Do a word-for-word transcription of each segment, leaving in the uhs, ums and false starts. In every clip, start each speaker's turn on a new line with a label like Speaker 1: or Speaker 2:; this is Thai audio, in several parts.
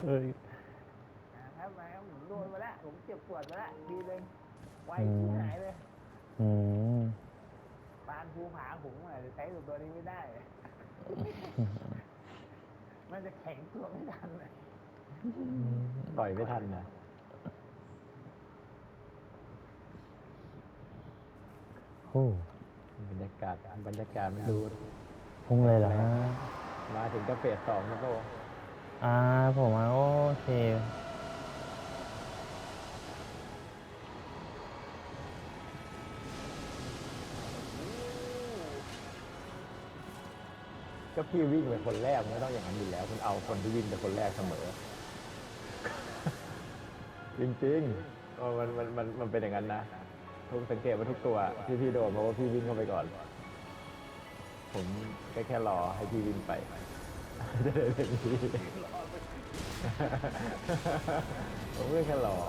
Speaker 1: เอ้ย
Speaker 2: นะครับมาครับผมโดนมาแล้วผมเจ็บปวดมาแล้วทีนึงไว
Speaker 1: อื
Speaker 2: ที่
Speaker 1: ม
Speaker 2: หายเลย
Speaker 1: อืม
Speaker 2: ปานภูผาผมอาจจะใช้ตัวนี้ไม่ได้มันจะแข็งตัวไม่ทันเลย
Speaker 3: ต่อยไม่ทันนะ
Speaker 1: โอ้
Speaker 3: บรรยากาศบรรยากาศมันดู
Speaker 1: พุ่งเลยเหรอฮะ
Speaker 3: มาถึงก็เฟสสองแล้วก็
Speaker 1: อ่าผมว่าโอเค
Speaker 3: ก็พี่วิ่งเป็นคนแรกไม่ต้องอย่างนั้นอยู่แล้วคุณเอาคนที่วิ่งเป็นคนแรกเสมอ จริงๆเออมันมันมันมันเป็นอย่างนั้นนะทุกสังเกตว่าทุกตัวที่พี่โดนเพราะว่าพี่วิ่งเข้าไปก่อนผมแค่แค่รอให้พี่วิ่งไปจะได้เป็นพี่ผมก็แค่รอ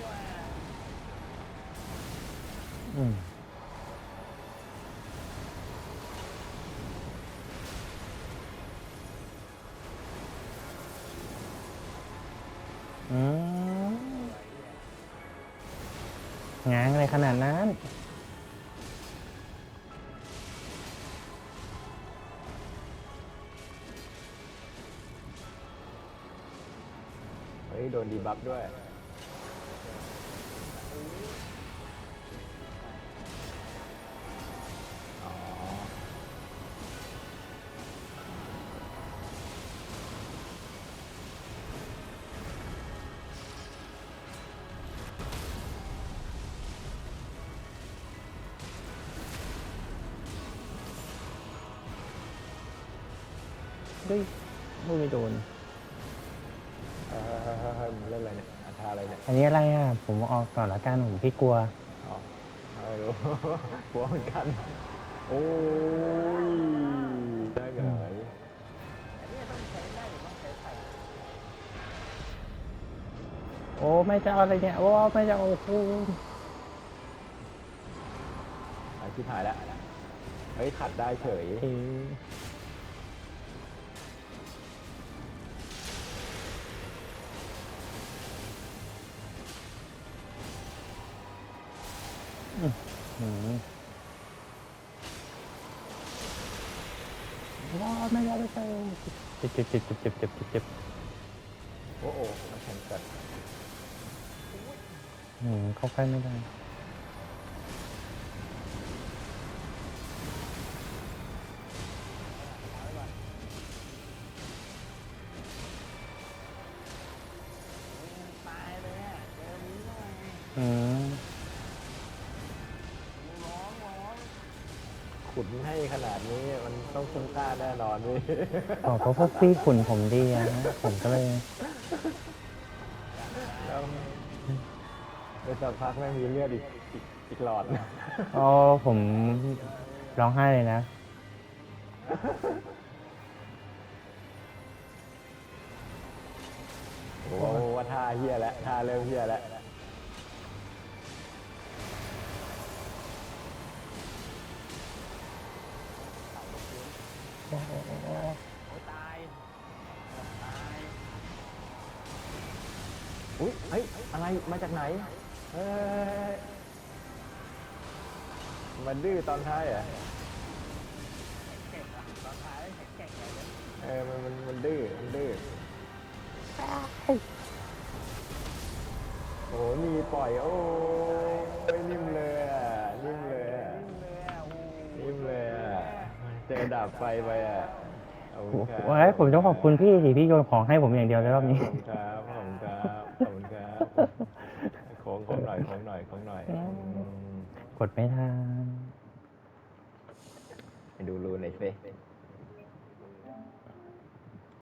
Speaker 1: อืมอืมง้างอะไรขนาดนั้น
Speaker 3: เฮ้ยโดนดีบัฟด้วยอ๋อ
Speaker 1: เฮ้ยลูกไม่โดน
Speaker 3: เออมันเล่นอะไรเนี่ยอาทาอะไรเนี่ย
Speaker 1: อันนี้อะไรอ่ะ ผมออกก่อนละกันผมพี่กลัว
Speaker 3: อ๋อไม่รู้ กลัวเหมือนกัน โอ้ย ได้เหรอ
Speaker 2: อันนี้ต้องใช้ได้หรือต้องใช้ไฟ
Speaker 1: โอ้ไม่จะเอาอะไรเนี่ย โอ้ไม่จะเอาโอ้โห
Speaker 3: ไอ้ที่ถ่ายแล้ว เฮ้ย ขัดได้เฉย
Speaker 1: เอ๊ะอืมอืมว้าไม่ได้ไม่ใช่เจ็บเจ็บเจ็บเจ็บเจ็บเจ็บเจ็บเจ็บ
Speaker 3: โอ้โหมาแข่งกัน
Speaker 1: อืมเข้าใกล้ไม่ได้อืม
Speaker 3: ขุนให้ขนาดนี้มันต้องคุ้มค่าแน่นอนเว้ย
Speaker 1: อ๋อเพราะพวกพี่ขุนผมดีอะฮะผมก็เลย
Speaker 3: แล้วไปสักพักไม่มีเลือดอีกอีกอีกหลอด
Speaker 1: อ๋อผมร้องไห้เลยนะ
Speaker 3: โอ้โหว่าท่าเฮียแล้วท่าเริ่มเฮียแล้ว
Speaker 2: ตาย ตาย
Speaker 3: อุ้ยเฮ้ย อะไร มาจากไหน เฮ้ย มันดื้อตอนท้ายเหรอ่ะ
Speaker 2: แข็งอ่ะตอนท้ายแข็งแข็งเลย
Speaker 3: เออ มัน มัน มันดื้อ มันดื้อ โอ้โหมีปล่อย โอ้ยนิ่มเลยอ่ะ นิ่มเลยอ่ะ นิ่มเลยอ่ะ เจอดาบไฟไปอ่ะขอบคุณครับ
Speaker 1: โอ้ยผมต้องขอบคุณพี่สิพี่โยนของให้ผมอย่างเดียวในรอบนี้
Speaker 3: ขอบคุณครับ ขอบคุณครับ ขอบคุณครับโค้งโค้งหน่อยโค้งหน่อยโค้งหน่อยอืม
Speaker 1: กดไม่ทัน
Speaker 3: ไปดูรูหน่อยสิ